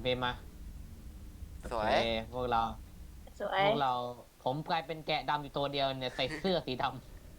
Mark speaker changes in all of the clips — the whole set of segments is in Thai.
Speaker 1: เบมมา
Speaker 2: สว
Speaker 1: โอเค
Speaker 2: ย
Speaker 1: พวกเรา
Speaker 3: สวย
Speaker 1: พวกเราผมกลายเป็นแกะดำอยู่ตัวเดียวเนี่ยใส่เสื้อสีด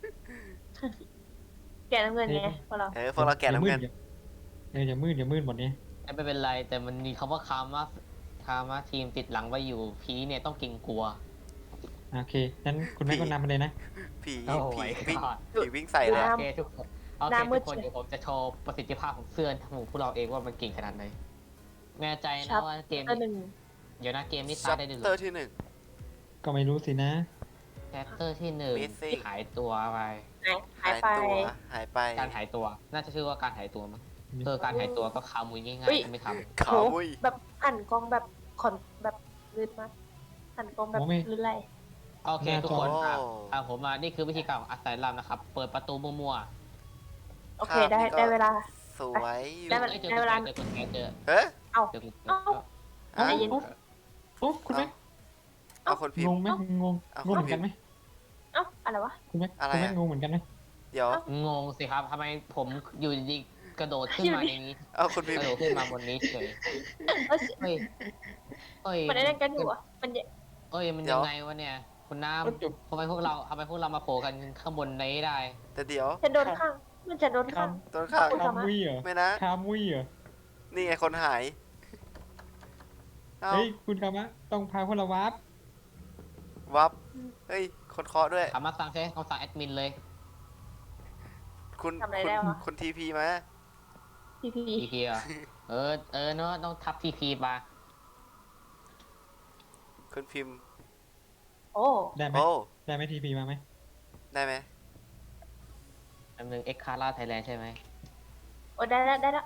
Speaker 3: แกะน้ำเงินไงพวกเรา
Speaker 2: พวกเราแก่น้ำเงิน
Speaker 4: อย่ามืดหมดนี้
Speaker 1: ำแต่ไม่เป็นไรแต่มันมีคำว่าคามาทีมติดหลังไว้อยู่ผีเนี่ยต้องเกรงกลัว
Speaker 4: โอเคงั้นคุณแม่ก็นำมาเลยนะ
Speaker 2: ผี
Speaker 1: โอ้
Speaker 2: ผี
Speaker 1: my
Speaker 2: วิ่ง
Speaker 1: god
Speaker 2: ผีวิ่งใส่เลย
Speaker 3: น้
Speaker 1: โอเคทุกคนโอ
Speaker 3: ห
Speaker 1: เค
Speaker 3: น้ามื
Speaker 1: ทุ
Speaker 3: ด
Speaker 1: กคน
Speaker 3: เชียว
Speaker 1: เดี๋ยวผมจะโชว์ประสิทธิภาพของเสื้อของพวกเราเองว่ามันเก่งขนาดไหนแน่ใจ
Speaker 3: ชั
Speaker 1: นะ
Speaker 3: ด
Speaker 1: ว่าเกม
Speaker 3: ตัวหนึ่ง
Speaker 1: เดี๋ยวนะเกมนี้
Speaker 2: ชั
Speaker 1: ตาย
Speaker 2: ป
Speaker 1: ได้ด้วยเหร
Speaker 2: เตอ
Speaker 1: อ
Speaker 2: ร์ที่หนึ่ง
Speaker 4: ก็ไม่รู้สินะ
Speaker 1: แชปเตอร์ที่หนึ่ง
Speaker 2: Missing
Speaker 1: หายตัวไป
Speaker 3: หายไป
Speaker 2: ตัวหายไป
Speaker 1: การหายตัว น่าจะชื่อว่าการหายตัวมั้งการหายตัวก็คามุยง่าย
Speaker 3: อุ๊ย
Speaker 1: ๆไม่ท
Speaker 2: ขาวมุย
Speaker 3: แบบหันกล้องแบบขอนแบบลื่นมากหันกล้องแบบลื่นไหล
Speaker 1: ำโอเคทุกคนตามผมมานี่คือวิธีการของอัสไซลัมนะครับเปิดประตูมั่ว
Speaker 3: โอเคได้เวลา
Speaker 2: สวยอยู่
Speaker 3: ได้
Speaker 1: ๆ
Speaker 3: เวลา
Speaker 1: เอ้ยเจอกุญแจเจอกุญแจเจอ
Speaker 2: เฮ้ย
Speaker 3: เอา
Speaker 1: เจอกุญแจ
Speaker 3: เอ้า
Speaker 2: อ่ะ
Speaker 3: ใจเย็น
Speaker 4: โอ้คุณแม่
Speaker 2: เอาคนพิม
Speaker 4: ง
Speaker 2: พ์
Speaker 4: งไหมงง
Speaker 2: เอา
Speaker 4: งงเหมือนกันไหม
Speaker 3: เอ้าอะไรวะ
Speaker 4: คุณแม่
Speaker 2: อะไร
Speaker 4: คุณแม่
Speaker 2: อะ
Speaker 4: งงเหมือนกันไหม
Speaker 2: เดี๋ยว
Speaker 1: งงสิครับทำไมผมอยู่ดีๆกระโดดขึ้นมาในนี้
Speaker 2: เอาคนพิ
Speaker 1: ก
Speaker 2: ม
Speaker 1: ระ
Speaker 2: พ์
Speaker 1: โดดขึ้นมาบนนี้เฉย
Speaker 3: เอ้ย
Speaker 1: เฮ้ยเฮ้ย
Speaker 3: มันได้เล่นกันอยู่อ่ะมัน
Speaker 1: เอ้ยมันยังไงวะเนี่ยคุณน้
Speaker 4: ก็จบ
Speaker 1: ำทำไมพวกเรามาโผล่กันข้างบนนี้ได้
Speaker 2: แต่เดี๋ยว
Speaker 3: จะโดนข้างมันจะโดนข้าง
Speaker 2: ต้นข้าง
Speaker 3: คุณ
Speaker 4: คามุยเหรอ
Speaker 2: ไม่นะ
Speaker 4: คามุยเหรอ
Speaker 2: นี่ไงคนหายเอา
Speaker 4: เฮ้ยคุณคามะต้องพาพวกเราวาร์ป
Speaker 2: วับเฮ้ยคนเคาะด้วย
Speaker 1: สามารถสั่งใช้คำสั่งแอดมินเลย
Speaker 2: คุณทีพีมา
Speaker 3: พีพี
Speaker 1: ทีพีอ่ะเนอะต้องทับทีพีมา
Speaker 2: คุณพิมพ์
Speaker 3: โอ้
Speaker 4: ได้ไหม
Speaker 2: โอ้
Speaker 4: ได้ไหมทีพีมาไหม
Speaker 2: ได้ไหม
Speaker 1: อันหนึ่งเอ็กคาร่าไทยแลนด์ใช่ไหม
Speaker 3: โอ้ได้แล้ว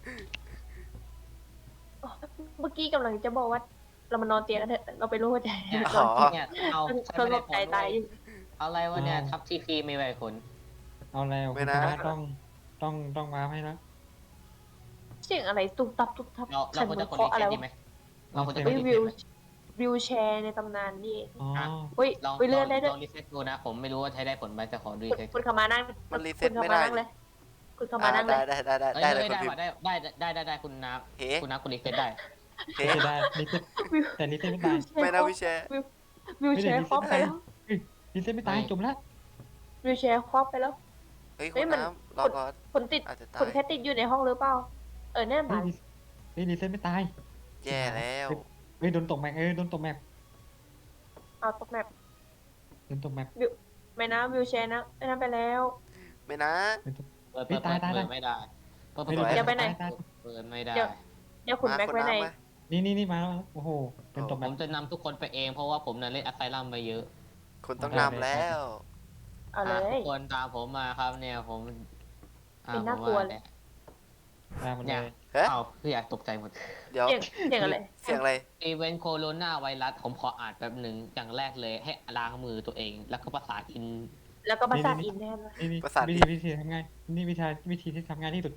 Speaker 3: เมื่อกี้กำลังจะบอกว่า เรามานอนเตียงกันเถอะเราไปรู้ว่าใจ
Speaker 1: เนี่ย
Speaker 2: อ๋อ
Speaker 1: เนี่ยเอาใช้
Speaker 3: ส
Speaker 1: ไม่
Speaker 3: ง
Speaker 1: ได้
Speaker 3: บ
Speaker 1: ผ
Speaker 3: ใจ
Speaker 1: ล
Speaker 3: ตายอยู่
Speaker 1: เอาอะไรวะเนี่ยทับทีพีไม่ไหวผล
Speaker 4: เอาแล้วคุณคามะต้องวาร์ปให้แล้ว
Speaker 3: เสียงอะไรตุบตับ
Speaker 1: เราควรจะกดรี
Speaker 3: อะ
Speaker 1: เซ็
Speaker 3: ไร
Speaker 1: ตดี
Speaker 3: วะ
Speaker 1: ไหมเราควรจะกด
Speaker 3: วิ
Speaker 1: รี
Speaker 3: ว
Speaker 1: เซ็ต
Speaker 3: วิวแชร์ในตำนานนี่
Speaker 4: อ๋อ
Speaker 3: เฮ้ย
Speaker 1: ลอง
Speaker 3: เลื่อนได้ด้วย
Speaker 1: ลองรีเซ็ตดูนะ ผมไม่รู้ว่าใช้ได้ผลไหมแต่ขอรีเซ็ต
Speaker 3: คุณขามานั่ง
Speaker 2: มันรีเซ็ต
Speaker 3: คุณขา
Speaker 2: ไม่
Speaker 3: มา
Speaker 2: ได้
Speaker 3: นั่งเลยคุณขามานั่งเลย
Speaker 2: ได้เลยคุณพิมพ์
Speaker 1: ได้คุณน้ำ
Speaker 2: เฮ้
Speaker 1: คุณน้ำคุณรีเซ็ตได้
Speaker 2: เฮ้
Speaker 4: ไม่ได้ลิเซ็ตแต่ลิเซ็ตไม่ตาย
Speaker 2: ไม่นะวิเชษ
Speaker 3: วิวแชร์ครอบไปแล้ว
Speaker 4: ลิเซ็ตไม่ตายจบแล้ว
Speaker 3: วิวแชร์ครอบไปแล้ว
Speaker 2: เฮ้ย
Speaker 3: เฮ้
Speaker 2: คุ
Speaker 3: ย
Speaker 2: ณ
Speaker 3: มัน
Speaker 2: น้ำรอก่อน
Speaker 3: คนติด
Speaker 2: อาจจะตา
Speaker 3: คน
Speaker 2: ย
Speaker 3: แค่ติดอยู่ในห้องหรือเปล่าแน่นอน
Speaker 4: เฮ้ยลิเซ็ตไม่ตาย
Speaker 2: แย่แล้ว
Speaker 4: เฮ้ยโดนตกแมปโดนตกแมป
Speaker 3: เอาตกแมป
Speaker 4: โดนตกแมป
Speaker 3: ไม่นะวิวแชร์นะไอ้นั่นไปแล้ว
Speaker 2: ไม่นะ
Speaker 1: เปิดไม่ได้เปิดไม่ได้
Speaker 3: อย่าไปไหน
Speaker 1: เปิดไม่ได้
Speaker 3: เดี๋ยวคุณแม็ก
Speaker 2: คุณ
Speaker 3: ไว้ไหน
Speaker 2: น้ำมา
Speaker 4: นี่มาแล้วโอ้โหโดนตก
Speaker 1: ผ
Speaker 4: แมป
Speaker 1: มจะนำทุกคนไปเองเพราะว่าผมน่ะเล่นอัสไซลัมมาเยอะ
Speaker 2: คุณต้องนำแล้ว
Speaker 3: เอาเลย
Speaker 1: ทุกคนตามผมมาครับเนี่ยผม
Speaker 3: เป็นน่ากลัวเลย
Speaker 4: ตามมันเล
Speaker 1: เนี่ย
Speaker 4: ย
Speaker 2: เฮ้ย
Speaker 1: เอาคืออยากตกใจหมด
Speaker 2: เดี๋ยว
Speaker 3: เสียงอะไร
Speaker 2: เสียงอะไร
Speaker 1: อีเวนต์โคโรนาไวรัสผมขออ่านแป๊บหนึ่งอย่างแรกเลยให้ล้างมือตัวเอง แล้วก็ประสานอิน
Speaker 3: แล้วก็ประสาทอินแน่เลย
Speaker 4: นี่
Speaker 2: ประสาท
Speaker 4: วิธีทำง่ายนี่วิธีที่ทำง่ายที่สุด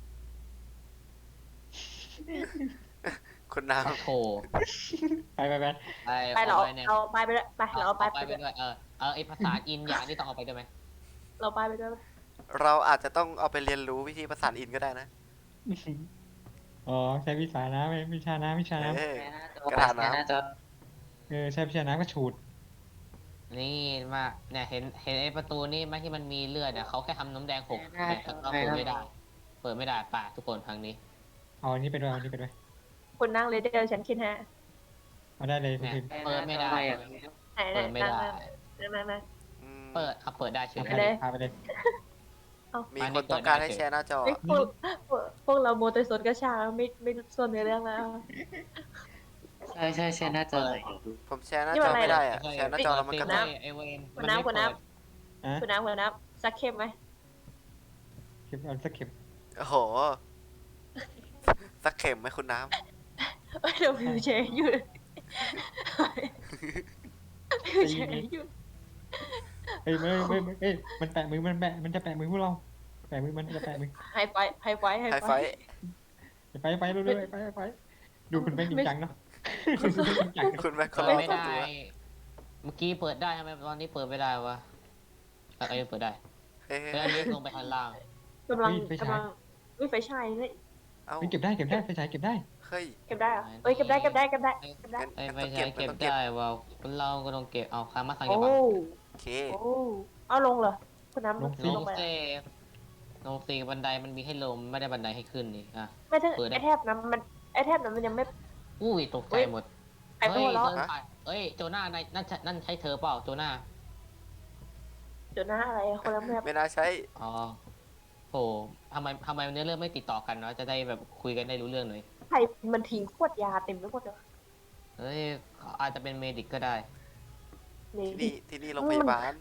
Speaker 2: คุณน้
Speaker 1: โถ
Speaker 4: ไป
Speaker 3: ไปเรา
Speaker 1: เนี่ย
Speaker 3: เอาไปด้วยไปเราเอาไป
Speaker 1: ไป
Speaker 3: ไปด้วย
Speaker 1: ด้วยไอภาษาอินอย่างนี้ต้องเอาไปด้วยไหม
Speaker 3: เราไปด้วย
Speaker 2: ำเราอาจจะต้องเอาไปเรียนรู้วิธีประสานอินก็ได้นะ
Speaker 4: อ๋อใช้วิชานะไม่วิชานะ
Speaker 2: เออ กระดาษน้ำ
Speaker 4: ใช้วิชานะก็ฉูด
Speaker 1: นี่มาเนี่ยเห็นไอประตูนี่ไหมที่มันมีเลือดเนี่ยเขาแค่ทำน้ำแดงหกแต่ก็เปิดไม่ได้ เปิดไม่ได้ป่ะทุกคนทางนี้
Speaker 4: เอาอันนี้ไปด้วย
Speaker 3: คุณนั่งเลยเดี๋ยวฉันคิดฮะ
Speaker 4: เอาได้เลยคุณ
Speaker 1: เนี่ย
Speaker 4: พิมพ์
Speaker 1: เปิดไม่ได้
Speaker 3: ไหน
Speaker 1: เปิดไม่ได้
Speaker 3: นั่ง
Speaker 2: อืม
Speaker 1: เปิดเปิดได้เฉย
Speaker 4: พาไปเลย
Speaker 2: มีคนต้องการให้แชร์หน้าจอ
Speaker 3: พวกเราโมเตอร์สดกระชาไม่ส่วนในเรื่องแล้ว
Speaker 5: ใช่หน้าจอ
Speaker 2: ผมแชร์หน้าจอไม่ได้อะแชร์หน้าจอแล้วมันกระตุก
Speaker 1: ไอเวน
Speaker 3: คุณน้ำซักเข้มไหม
Speaker 4: เก็บเอาสักเก็บ
Speaker 2: โอ้โห สักเข็มไหมคุณน้
Speaker 3: เดี๋ยววิวแชร์อยู่วิวแชร์อยู่
Speaker 4: เฮ้ยไม่มันแปะมือมันจะแปะมือพวกเราแปะมือมันจะแปะมือ
Speaker 3: ไฮไฟ
Speaker 2: ำไฮไฟ
Speaker 4: ไปเรื่อยไปดูคุณแม่จริงจังเนาะ
Speaker 2: คุณแม่คน
Speaker 1: เปิด
Speaker 2: ละ
Speaker 1: ไม่
Speaker 2: ตัว
Speaker 1: ได้ เมื่อกี้เปิดได้ทำไมตอนนี้เปิดไม่ได้วะอะไรเปิดได้
Speaker 2: เฮ้ย
Speaker 1: เพื่อนนี้ลงไปข้างล่าง
Speaker 3: กำลังวิไฟฉายเลย
Speaker 2: เอ้า
Speaker 4: เฮ้ยเก็บได้ไฟฉายเก็บได้
Speaker 2: เฮ้ย
Speaker 3: เก็บได้เหรอเอ้ยเก็บได้เก็บได้เก็บได้เก็บได้
Speaker 1: ไอ้
Speaker 2: งั้น
Speaker 1: ไม่
Speaker 2: ต้อง
Speaker 1: ใช่
Speaker 2: เก็
Speaker 1: เก็
Speaker 2: บบ ต้องเก็บ
Speaker 1: ได้ว่าเราก็ต้องเก็บเอาคามาสั่ง
Speaker 3: โอ้
Speaker 1: อย่าบัง
Speaker 2: โอเค
Speaker 3: โอ้เอาลงเหรอคุณน้ำ
Speaker 4: ลง
Speaker 1: ล
Speaker 3: ล
Speaker 1: ง
Speaker 3: งไป
Speaker 1: เซลงซีบันไดมันมีให้ลงไม่ได้บันไดให้ขึ้นนี่อ่ะ
Speaker 3: ไม่ถึง
Speaker 1: เปิดได้
Speaker 3: ไอแทบนั้นมันไอแทบนั้นมันยังไม่
Speaker 1: อุ้ยตกใจหมด
Speaker 3: ไอตัวล้อ
Speaker 1: เดินผ่านเอ้ยโจนานั่นใช่เธอเปล่าโจนา
Speaker 3: เดี๋ยวหน้าอะไรคนละแบบ
Speaker 2: ไม่น่าใช่
Speaker 1: อ๋อโหทำไมเนื้อเรื่องไม่ติดต่อกันเนาะจะได้แบบคุยกันได้รู้เรื่องหน่อย
Speaker 3: ใครมันทิ้งขวดยาเต็มไปหมดเลย
Speaker 1: เอ้ยอาจจะเป็นเมดิกก็ได้
Speaker 3: นี่
Speaker 2: ที่นี่โรงพยาบาล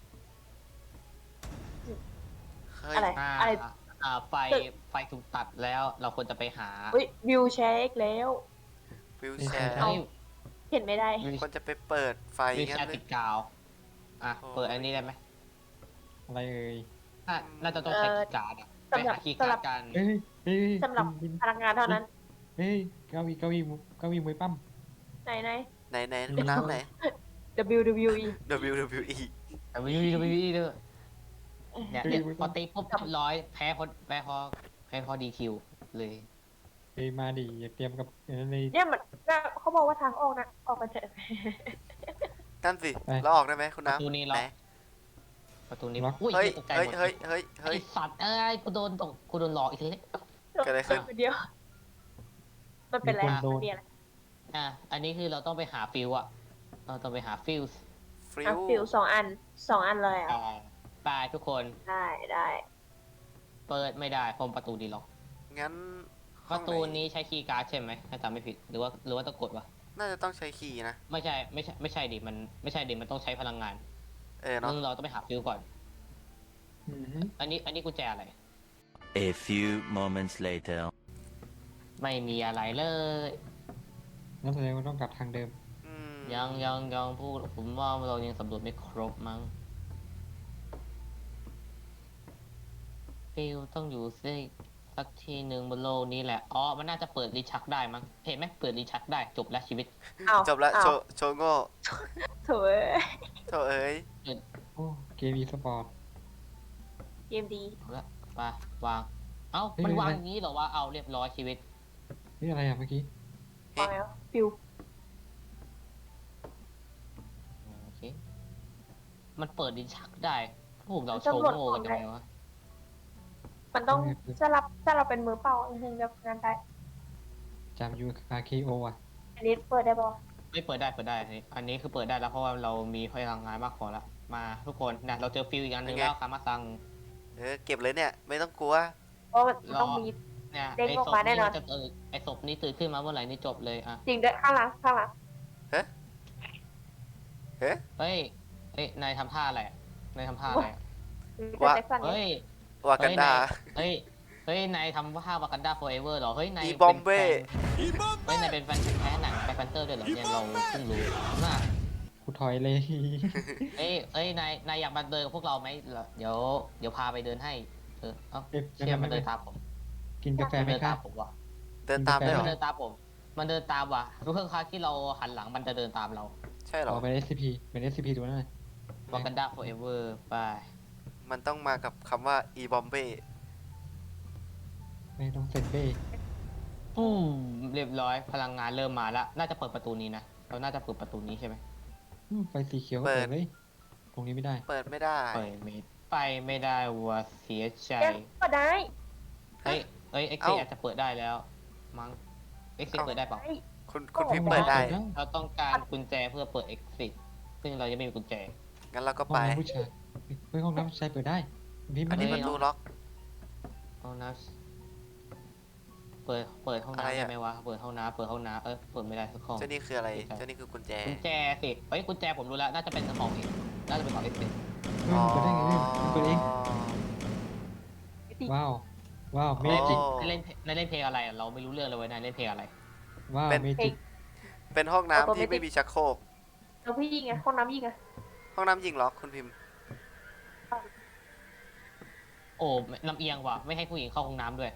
Speaker 2: เฮ้ย
Speaker 3: อะไร
Speaker 1: อ่า
Speaker 3: อะไร
Speaker 1: ไฟถูกตัดแล้วเราควรจะไปหา
Speaker 3: เฮ้ยวิวแชร์อีกแล้ว
Speaker 2: วิวแชร์
Speaker 1: เอ้ย
Speaker 3: เห็นไม่ได้
Speaker 2: คนจะไปเปิดไฟ
Speaker 1: วิว
Speaker 2: งั้
Speaker 1: แช
Speaker 2: น
Speaker 1: ร์
Speaker 2: เล
Speaker 1: ติ
Speaker 2: ย
Speaker 1: ดกาวอ่ะ
Speaker 2: โอ้
Speaker 1: เปิดอันนี้ได้ไหม
Speaker 4: อะไรเอ่ย
Speaker 1: น่าจะต้องใช้คีย์การ์ดอะไป
Speaker 3: สำหรับ
Speaker 1: หาคีย์การ์ดกัน
Speaker 4: เฮ้ยเฮ้ย
Speaker 3: สำหรับ
Speaker 4: คุณ
Speaker 3: พลังงานเท่านั้น
Speaker 4: เฮ้ยเก้าอี้มวยปั้ม
Speaker 3: ไหนไหน
Speaker 2: ไหนคุณน้ำไหน
Speaker 3: WWE
Speaker 2: WWE
Speaker 1: แต่วิวด้วยเนี่ยพอตีปุ๊บร้อยแพ้พอดีคิวเลย
Speaker 4: เฮ้ยมาดิอย่าเตรียมกับอะไร
Speaker 3: เนี่ยมันเขาบอกว่าทางออกนะออกกันเถอะ
Speaker 2: นั่นสิ
Speaker 4: ไป
Speaker 2: เราออกได้ไหมคุณ
Speaker 1: ประตู
Speaker 2: น้ำ
Speaker 1: นี้
Speaker 2: ไห
Speaker 1: ล็อน กประตูนี้อุ้ย
Speaker 2: เฮ้ย
Speaker 1: ตกใจ
Speaker 2: เฮ้ย
Speaker 1: หมด
Speaker 2: เฮ้ยเฮ้ยเฮ้
Speaker 1: ไอย สัตว์เอ้ยกูโดนหลอกอีกทีนี้
Speaker 2: เกิดอะไรขึ้น
Speaker 3: เดียว มันเป็นอะไร
Speaker 4: มีคนโดน
Speaker 3: มันมีอะไร
Speaker 1: อันนี้คือเราต้องไปหาฟิวอะเราต้องไปหาฟิวส์
Speaker 2: ฟริ
Speaker 3: อ่ะ
Speaker 2: ว
Speaker 3: ฟิวสองอันเลยอ่ะ
Speaker 1: ไปทุกคน
Speaker 3: ได้
Speaker 1: เปิดไม่ได้เพราะประตูดีล็อก
Speaker 2: งั้น
Speaker 1: ป
Speaker 2: ห้อง
Speaker 1: ระ
Speaker 2: ไห
Speaker 1: ตูนี้ใช้คีย์การ์ดใช่ไหมถ้าจำไม่ผิดหรือว่าต้องกดวะ
Speaker 2: น่าจะต้องใช้คีย์นะ
Speaker 1: ไม่ใช่ดิมันต้องใช้พลังงาน
Speaker 2: เนาะ
Speaker 1: ซึ่งเราต้องไปหาฟิวก่อน
Speaker 4: อือหือ
Speaker 1: อันนี้กุญแจอะไร
Speaker 6: A few moments later.
Speaker 1: ไม่มีอะไรเลย
Speaker 4: นั่นแสดงว่าต้องกลับทางเดิม
Speaker 2: อืม
Speaker 1: ยังพูดผมว่าเรายังสำรวจไม่ครบมั้งฟิวต้องอยู่สักทีหนึ่งบนโลกนี้แหละอ๋อมันน่าจะเปิดรีชักได้มั้งเห็นไหมเปิดรีชักได้จบแล้วชีวิต
Speaker 3: อ้าว
Speaker 2: จบละ
Speaker 3: อ้าว
Speaker 2: โชว์โง่
Speaker 3: โถ่เอ้ย
Speaker 2: โชว์เอ้ย
Speaker 4: โอ้เกมอีสปอร์ต
Speaker 3: เกมดี
Speaker 1: เอาละไปวางเอ้า
Speaker 4: เฮ้ย
Speaker 1: มันวาง
Speaker 4: ไม่เป็นไร
Speaker 1: อย่างนี้เหรอวะเอาเรียบร้อยชีวิต
Speaker 4: นี่อะไรอ่ะเมื่อกี้
Speaker 3: ฟังแล้วฟิว
Speaker 1: โอเคมันเปิดรีชักได้พวกเรา
Speaker 3: มัน
Speaker 1: โชว์
Speaker 3: ตำรวจ
Speaker 1: โง่กัน
Speaker 3: ของ
Speaker 1: ยังไงวะ
Speaker 3: มันต้องถ้าเราเป็นมือเปล่าถึงจะงานได้
Speaker 4: จำยูอาร์เคโออ่ะ
Speaker 3: อันนี้เปิดได้ปะ
Speaker 1: ไม่เปิดได้อันนี้คือเปิดได้แล้วเพราะว่าเรามีพลังงานมากพอละมาทุกคนนะเราเจอฟิวอีกอันหนึ่งแล้วคามาซัง
Speaker 2: เก็บเลยเนี่ย ไม่ต้องกลัว
Speaker 3: เพราะมันต้องมี
Speaker 1: เนี่ย
Speaker 3: เด้งออกมาแน่นอน
Speaker 1: ไอ้ศพนี้ตื่นขึ้นมาเมื่อไหร่นี่จบเลยอ่ะ
Speaker 3: จริงด้วยข้างหลัง
Speaker 2: เฮ้
Speaker 1: เฮ้ยนายทำท่าอะไรอะนายทำท่าอะไรอะ
Speaker 3: ว่าแจ็คสัน
Speaker 1: เฮ้ย
Speaker 2: วากันดา
Speaker 1: เฮ้ยนายทำท่าวากันดาโฟเอเวอร์เหรอเฮ้ยนาย
Speaker 2: อีบอมเบ้
Speaker 1: เฮ้ยนายเป็นแฟนแท้หนังแบ็คแพนเตอร์ด้วยเหรอเนี่ยเราเพิ่งรู้น่า
Speaker 4: กูถอยเลย
Speaker 1: นายอยากมาเดินกับพวกเราไหมเดี๋ยวพาไปเดินให้เอ้า
Speaker 4: เอ๊ะ
Speaker 1: เชื่อมันเดินตามผม
Speaker 4: กินกาแฟไหม
Speaker 1: เดิน
Speaker 4: คะ
Speaker 1: ตามผมว่ะ
Speaker 2: เดินตามได้เหร
Speaker 1: มั
Speaker 2: อ
Speaker 1: นเดินตามผม มันเดินตามว่ะทุกครั้งที่เราหันหลังมันจะเดินตามเรา
Speaker 2: ใช่เหร
Speaker 4: อ
Speaker 2: อ
Speaker 4: อกเป็น SCP เป็น SCP ตัวนั้นเลย
Speaker 1: วากันดาโฟเอเวอร์ไป
Speaker 2: มันต้องมากับคำว่าอีบอมเบ้
Speaker 4: ไม่ต้องเซ็นเบ้
Speaker 1: ปุ้มเรียบร้อยพลังงานเริ่มมาแล้วน่าจะเปิดประตูนี้นะเราน่าจะเปิดประตูนี้ใช่ไหม
Speaker 4: ไฟสีเขียวก็เปิดเลยตรงนี้ไม่ได้
Speaker 2: เปิดไม่ได้
Speaker 1: ไปไม่ได้ว่ะเสียใจ
Speaker 3: ก็ได้
Speaker 1: เอ็กซ์อาจจะเปิดได้แล้วมั้งเอ็กซ์เปิดได้เปล่า
Speaker 2: คุณพิมพ์เปิดได้
Speaker 1: เราต้องการกุญแจเพื่อเปิด exit ซึ่งเรายังไม่มีกุญแจ
Speaker 2: งั้นเราก็
Speaker 4: ห้อง
Speaker 2: ไป
Speaker 4: น้ำผู้ชายเฮ้ยห้องน้ำผู้ชายเปิดได้พี่
Speaker 2: อั
Speaker 4: มัน น
Speaker 2: นี้
Speaker 1: เฮ้
Speaker 2: ป
Speaker 1: ย
Speaker 2: ระตูล็อก
Speaker 1: ห้องน้ำเปิดห้อง
Speaker 2: อะไร
Speaker 1: น้ำ
Speaker 2: อะ
Speaker 1: ได้ไหมวะเปิดห้องน้ำเปิดไม่ได้สักห้อง
Speaker 2: เจ้านี่คืออะไร เจ้านี่คือกุญแจ
Speaker 1: กุญแจสิกุญแจผมรู้แล้วน่าจะเป็นของเองน่าจะเป็นของ exit
Speaker 4: เฮ้ยเปิดได้ไงเนี่ยเปิดเองว้าวว้าวเมจิก
Speaker 2: อ๋อ
Speaker 1: นายเล่นเพลงอะไรอะเราไม่รู้เรื่องเลยเว้ยนายเล่นเพลงอะไร
Speaker 4: ว้าว
Speaker 2: เป็น
Speaker 4: เมจิก
Speaker 2: เป็นห้องน้ำที่ไม่มีชักโครก
Speaker 3: แล้วพี่ยิงไงห้องน้ำยิงไง
Speaker 2: ห้องน้ำยิงล็อกคุณพิมพ์
Speaker 1: โอ้ลำเอียงว่ะไม่ให้ผู้หญิงเข้าห้องน้ำด้วย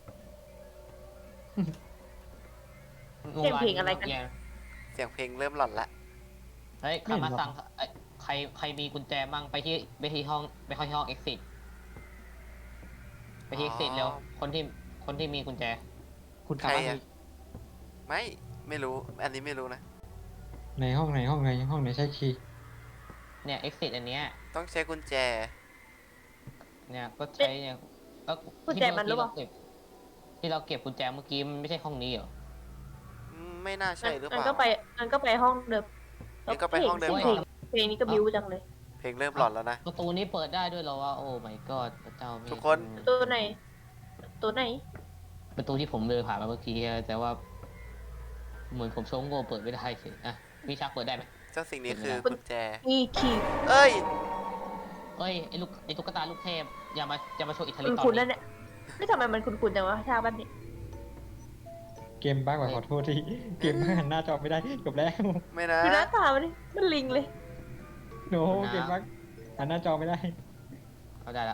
Speaker 3: เสียงเพลงอะไรกัน
Speaker 1: ลำเย
Speaker 2: เสียงเพลงเริ่มหลอนละ
Speaker 1: เฮ้ยคามาซังใครมีกุญแจมั่งไปที่ห้อง exit ไปที่ exit เร็วคนที่มีกุญแจ
Speaker 4: คุณ
Speaker 2: ใคร
Speaker 4: สามารถ
Speaker 2: อะไม่รู้ อันนี้ไม่รู้นะ
Speaker 4: ในห้องไหนห้องไหนห้องไหนใช้คีย์
Speaker 1: เนี่ย exit อันเนี้ย
Speaker 2: ต้องใช้กุญแจ
Speaker 1: เนี่ยก็ใช้เนี่ยก็
Speaker 3: กุญแจมันหรือเปล่า
Speaker 1: ที่เราเก็บกุญแจเมื่อกี้มันไม่ใช่ห้องนี้เหรอ
Speaker 2: ไม่น่าใช่หรือเป
Speaker 3: มัน
Speaker 2: ล่า
Speaker 3: ก็ไปห้องเดิม
Speaker 2: งั้นก็ไปห้องเดิม
Speaker 3: เพลงนี้ก็บิวจังเลย
Speaker 2: เพลงเริ่มหลอนแล้วนะ
Speaker 1: ประตูนี้เปิดได้ด้วยเหรอวะโอ้ my god พระเจ้ามี
Speaker 2: ทุกคน
Speaker 3: ตัวไหน ตัวไหน
Speaker 1: ประตูที่ผมเดินผ่านมาเมื่อกี้แต่ว่า เหมือนผมโชงโง่เปิดไม่ได้เฉยอ่ะพี่ชักเปิดได้ไหม
Speaker 2: เจ้าสิ่งนี้คือกุญแจ
Speaker 3: นี่คีย์
Speaker 2: เอ้ย
Speaker 1: เอ้ยไอ้ตุ๊กตาลูกเทพอย่ามาโชว์อิทธิฤท
Speaker 3: คุณ
Speaker 1: ธิ์ตอน
Speaker 3: คุณนั่
Speaker 1: นี้
Speaker 3: นเนี่ยไม่ทำไมมันคุณจังวะฉากแบบนี้
Speaker 4: เกมบ้ากว่าขอโทษที่เกมบ้าหันหน้าจอไม่ได้จบแล้ว
Speaker 2: ไม่นะ
Speaker 3: ดูหน้าตามันนี่มันลิงเลย
Speaker 4: โนเกมบ้าหันหน้าจอไม่ได้
Speaker 1: เอาได้ละ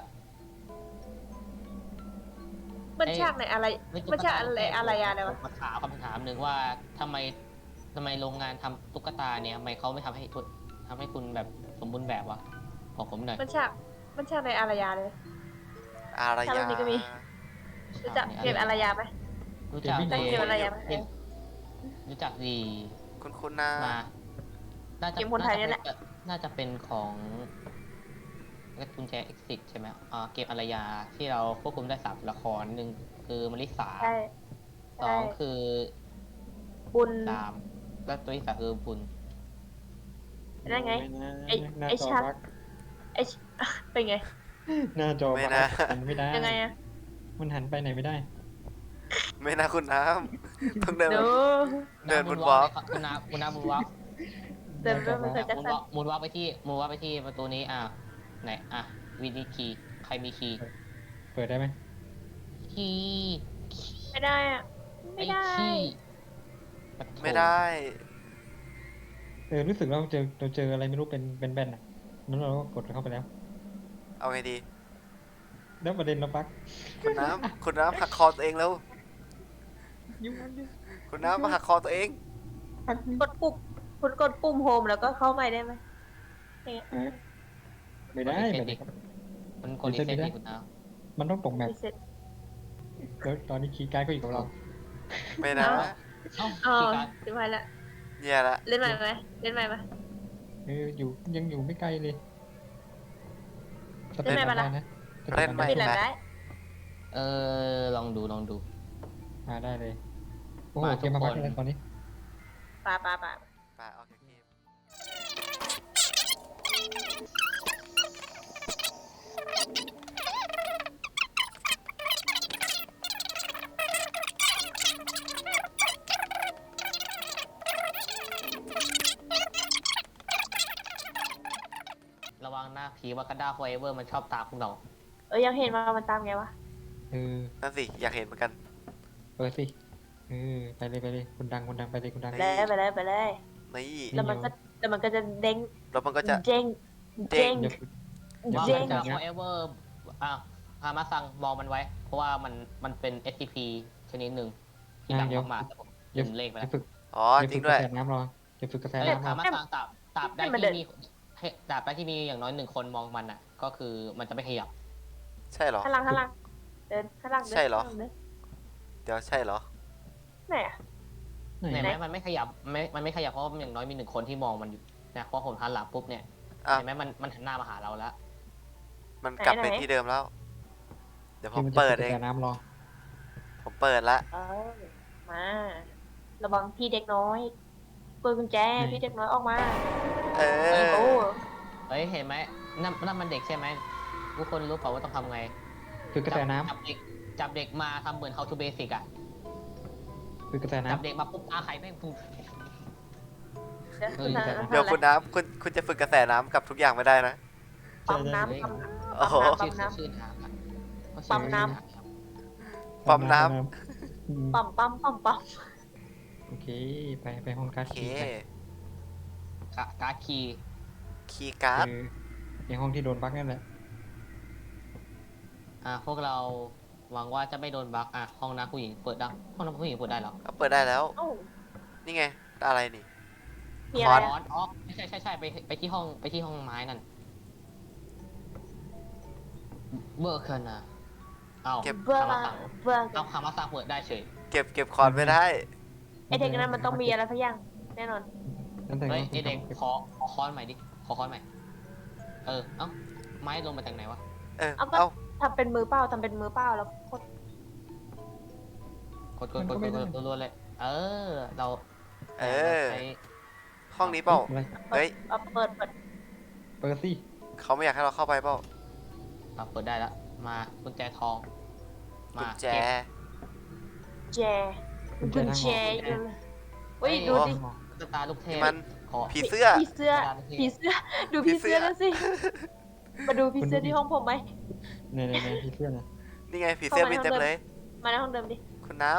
Speaker 3: มันฉากไหนอะไร มันฉากอะไรอะไรวะ
Speaker 1: มาถามคำถามหนึ่งว่าทำไมโรงงานทำตุ๊กตาเนี่ยทำไมเขาไม่ทำให้คุณแบบสมบูรณ์แบบวะบอกผมหน่อย
Speaker 3: มันฉากในอารยาเลย
Speaker 2: อาร
Speaker 3: ถ้า
Speaker 2: ยา
Speaker 3: แบบนี้ก็มี รู้จักเกมอารยาไหม
Speaker 1: รู้จัก
Speaker 4: เกม
Speaker 3: เกมอารยาไหม
Speaker 1: รู้จักดี
Speaker 2: คุณนะ
Speaker 1: มาน่าจะ
Speaker 3: เกมคนไทยเนี่ยแหละ
Speaker 1: น่าจะเป็นของกุญแจ exit ใช่ไหมเกมอารยาที่เราควบคุมได้3ตัวละครหนึ่งคือมลิสา
Speaker 3: ใช่
Speaker 1: สองคือ
Speaker 3: บุญ
Speaker 1: ตามแล้วตัวที่สามคือบุญ
Speaker 3: นั่นไง ไอ้
Speaker 4: หน้า
Speaker 3: ไอ้
Speaker 4: จอ
Speaker 3: ชัก
Speaker 4: บัก
Speaker 3: ไอ้เป็นไง
Speaker 4: หน้าจอ
Speaker 2: ไม่
Speaker 4: บัก
Speaker 2: นะ
Speaker 4: หันไม่ได้
Speaker 3: ยังไงอะ
Speaker 4: มันหันไปไหนไม่ได้
Speaker 2: ไม่นะคุณน้ำต้องเดิน
Speaker 3: เดี๋ยว
Speaker 2: เดินบนวอล์ก
Speaker 1: คุณน้าบุญวอล์ก
Speaker 3: เดินด้วยมันเคยจะสั้น
Speaker 1: มูลวอล์กไปที่ประตูนี้ไหนวิธีคีย์ใครมีคีย์
Speaker 4: เปิดได้ไหม
Speaker 1: คีย์
Speaker 3: ไม่ได้อะไม่ได้
Speaker 1: คีย์ปะโถ
Speaker 2: ไม่ได้
Speaker 4: รู้สึกเราเจออะไรไม่รู้เป็นแบนอ่ะนั้นเราก็กดเข้าไปแล้ว
Speaker 2: เอาไงดี
Speaker 4: แล้วประเด็นเราบัก
Speaker 2: คุณน้ำหักคอตัวเองแล้ว
Speaker 4: ยุ่งอันเดียว
Speaker 2: คุณน้ำมาหักคอตัวเอง
Speaker 4: หัก
Speaker 3: กดปุ่มคุณกดปุ่มโฮมแล้วก็เข้าใหม่ได้ไหม
Speaker 4: ไม่ได้ไม่ได้ครับ
Speaker 1: มันกดรีเซ็ตให้คุณน้า
Speaker 4: มันต้องตกแมป
Speaker 3: รีเซ็ต
Speaker 4: แล้วตอนนี้คีย์การ์ดก็อยู่กับเรา
Speaker 2: ไม่นะ
Speaker 1: เอ้า
Speaker 3: อ๋อ
Speaker 1: คีย์การ์ด
Speaker 3: ถึงไปละ
Speaker 2: เนี่ยละ
Speaker 3: เล่นใหม่ไหมเล่นใหม่ไหม
Speaker 4: ยังอยู่ไม่ไกลเลย
Speaker 3: เล่นไหมปะล่ะ
Speaker 4: นะ
Speaker 2: เล่นไหม
Speaker 3: ปิดแล้วได้
Speaker 1: ลองดู
Speaker 4: ได้เลยโอ้โห
Speaker 1: มาทุก
Speaker 4: เกมมาบัก
Speaker 1: คน
Speaker 4: แล้วตอนนี้
Speaker 3: ป่า
Speaker 2: ไปออกจากเกม
Speaker 1: ระวังหน้าผีวากาด้าโฟเอเวอร์มันชอบตามพวกเรา
Speaker 3: ยังเห็นว่ามันตามไงวะ
Speaker 2: นั่นสิ อยากเห็นเหมือนกัน
Speaker 4: เปิดสิไปเลยคุณดังไปเลยคุณดัง
Speaker 3: ไปเลยไปเลยไปเลย
Speaker 2: นี่
Speaker 3: แล้วมันก็จะเด้ง
Speaker 2: แล้วมันก็จะ
Speaker 3: เด้งเด้ง
Speaker 4: อย่าฝึก
Speaker 1: วา
Speaker 3: เด้
Speaker 1: กาง ด้าโฟเอเวอร์ฮามาซังมองมันไว้ เพราะว่ามันเป็น SCP ชนิดหนึ่งที่ดังมากๆแต่ผมลืมเลขไป
Speaker 4: อ
Speaker 1: แล้
Speaker 4: ย่าว ฝึก
Speaker 2: อ๋อ จริงด้วย
Speaker 4: กาแฟน้ำรออย่าฝึกกาแฟ
Speaker 1: แต่
Speaker 4: น้ำร
Speaker 1: ฮา
Speaker 4: อ
Speaker 1: มาซังตราบได้ที่มีอย่างน้อย1 คนมองมันก็คือมันจะไม่ขยับ
Speaker 2: ใช่เหรอ
Speaker 3: ข้างหลังเดินข้างหลังเดิน
Speaker 2: ใช่เหรอ
Speaker 3: ข้างลังดิน
Speaker 2: เดี๋ยวใช่เหรอ
Speaker 3: ไหนอะ
Speaker 1: เห็นไหมมันไม่ขยับมันไม่ขยับเพราะว่าอย่างน้อยมี1 คนที่มองมันอยู่นะพอผมหันหลังปุ๊บเนี่ย
Speaker 2: อ่ะ
Speaker 1: เห็นไหมมันหันหน้ามาหาเราแล้ว
Speaker 2: มันกลับไปที่เดิมแล้ว เดี๋ยวผมเปิดเอง
Speaker 4: กาแฟน้ำรอ
Speaker 2: ผมเปิดละ
Speaker 3: มาระวังพี่เด็กน้อยเปิดกุญแจพี่เด็กน้อยออกมา
Speaker 2: เอ
Speaker 3: โอ้
Speaker 2: อ
Speaker 1: เฮ้ยเห็นไหมนั่นมันเด็กใช่ไหมทุกคนรู้เปล่าว่าต้องทำไง
Speaker 4: ฝึกกาแฟน้
Speaker 1: จับเด็กมาทำเหมือน how to basic
Speaker 4: ำฝึกกาแฟ
Speaker 1: จับ
Speaker 4: น้ำ
Speaker 1: เด็กมาปุ๊บไข่แม่งปุ๊บ
Speaker 3: เดี๋ยว
Speaker 1: เฮ้ย
Speaker 2: เดี๋ยวคุณน้ำคุณจะฝึกกระแสน้ำกับทุกอย่างไม่ได้นะ
Speaker 3: ปั๊มน้ำ
Speaker 1: เฮ้ย
Speaker 3: ปั๊ม
Speaker 2: โอ้โห
Speaker 3: น้ำ
Speaker 1: ชื่อทาง
Speaker 3: ปั๊มน้
Speaker 2: ปั๊มน้
Speaker 4: อืม
Speaker 3: ปั๊ม
Speaker 4: โอเคไปห้องการ์
Speaker 2: โอ
Speaker 4: ด
Speaker 2: เค
Speaker 4: คีย์กัน
Speaker 1: การ์ดคีย์
Speaker 2: คีย์การ์ด
Speaker 4: ในห้องที่โดนบั๊กนั่นแหละ
Speaker 1: พวกเราหวังว่าจะไม่โดนบั๊กห้องน้ำผู้หญิงเปิดได้ห้องน้ำผู้หญิงเปิดได้เหรอ
Speaker 2: ก็เปิดได้แล้ว
Speaker 3: โอ้
Speaker 2: นี่ไง อะไรนี่
Speaker 3: มีอะไร
Speaker 1: ร้อ
Speaker 3: อะ
Speaker 1: นใช่ไปที่ห้องไม้นั่นเบอร์เคิร์นเอ้า
Speaker 2: เก็บ
Speaker 3: เบื่อ
Speaker 1: คามา
Speaker 3: มา
Speaker 1: ซัง
Speaker 3: เบื่อ
Speaker 1: เอาคามาซังเปิดได้เฉย
Speaker 2: เก็บคอนไม่ได้
Speaker 3: ไอเด็กนั้นมันต้องมีอะไรสักอย่างแน่นอน
Speaker 4: นั่นแต่
Speaker 1: เฮ้ย
Speaker 4: ว่า
Speaker 1: ไอเด็กขอค้อนใหม่ดิขอค้อนใหม่เอ้าไม้ลงมาจากไหนวะ
Speaker 3: เอาก็
Speaker 2: เอ้า
Speaker 3: ทำเป็นมือเปล่าทำเป็นมือเปล่าแล้วกด
Speaker 1: กดรัวๆเลย เออ เรา
Speaker 2: เออ
Speaker 1: ใช้
Speaker 2: ห้องนี้เปล่า
Speaker 4: อะไร
Speaker 2: เฮ้ย
Speaker 3: เอาเปิด
Speaker 4: เปิดสิ
Speaker 2: เขาไม่อยากให้เราเข้าไปเปล่า
Speaker 1: เปิดได้แล้วมากุญแจทอง
Speaker 2: กุ
Speaker 1: มา
Speaker 2: ญแจ
Speaker 1: เก็บ
Speaker 3: แจกุญแจอยู่เฮ้ยดูดิ
Speaker 1: ตุ๊กตาลูกเทพ
Speaker 2: มัน
Speaker 1: ขอ
Speaker 2: ผีเสื้อ
Speaker 3: ผีเสื้อผีเสื้อดูผีเสื้อนั่นสิมาดูผีเสื้อที่ห้องผมไหม
Speaker 4: ในพี่เสื้อนะ
Speaker 2: นี่ไงผีเสื้อมีเต็มเลย
Speaker 3: มาในห้องเดิมดิ
Speaker 2: คุณน้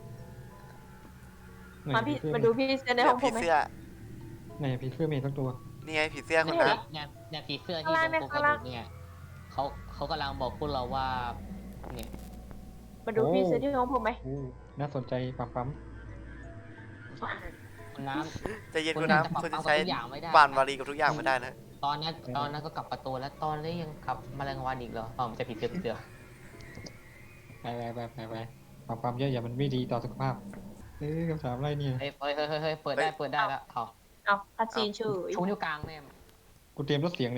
Speaker 3: มาพี่มาดูพี่เสื้อ
Speaker 2: ำ
Speaker 3: ในห้องผ
Speaker 2: ผี
Speaker 3: มไหม
Speaker 2: เสื้อ
Speaker 4: ไหนพี่เสื้อมีทั้งตัว
Speaker 2: นี่ไงผีเสื้อคุณ
Speaker 3: ไม่
Speaker 2: น้
Speaker 3: เห็น
Speaker 1: เนี่ยผีเสื้อที่
Speaker 3: ข้าง
Speaker 1: ต
Speaker 3: ล่าง
Speaker 1: รง
Speaker 3: เนี่ยข้างล่าง
Speaker 1: เนี่ยเขากำลังบอกพวกเราว่าเนี่ย
Speaker 3: มาดูพี่เสื้อที่ห้องผมไหม
Speaker 4: โอ้น่าสนใจปั๊ม
Speaker 1: คุณน้
Speaker 2: ำใจะเย็น
Speaker 1: ำ
Speaker 2: คุณ
Speaker 1: จะ
Speaker 2: น้ำ
Speaker 1: ปรับ
Speaker 2: คุณ
Speaker 1: ปรุ
Speaker 2: จะ
Speaker 1: ง
Speaker 2: ใช้
Speaker 1: ทุกอย่างไม่ได้
Speaker 2: บานวารีกับทุกอย่างไม่ได้นะ
Speaker 1: ตอนนั้นก็กลับประตูแล้วตอนนี้ยังกลับแมลงวันอีกเหรอมันจะผีเสื้อ
Speaker 4: ไปปั๊มเยอะอย่ามันไม่ดีต่อสุขภาพคำถามอะไรเนี่ย
Speaker 1: เฮ้ยเปิดได้แล้วเอา
Speaker 3: เอาคัดซีนเฉย
Speaker 1: ชูนิ้วกลางแม่
Speaker 4: กูเตรียมรถเสียงเลย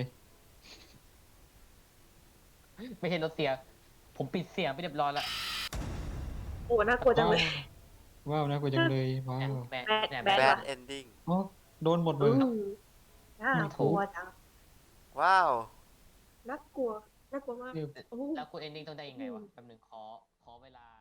Speaker 1: ไม่ใช่รถเสียผมปิดเสียงไปเรียบร้อยแล้ว
Speaker 3: โอ้น่ากลัวจังเลย
Speaker 4: ว้าวน่ากลัวจังเลยว้าว
Speaker 1: แบน
Speaker 3: แบน
Speaker 2: bad ending
Speaker 4: อ๋อโดนหมดเลย
Speaker 3: น่ากลัวจัง
Speaker 2: ว้าว
Speaker 3: น่ากลัวมาก
Speaker 1: แล้วคุณเอนดิ้งต้องได้ยังไงวะแป๊บนึงขอเวลา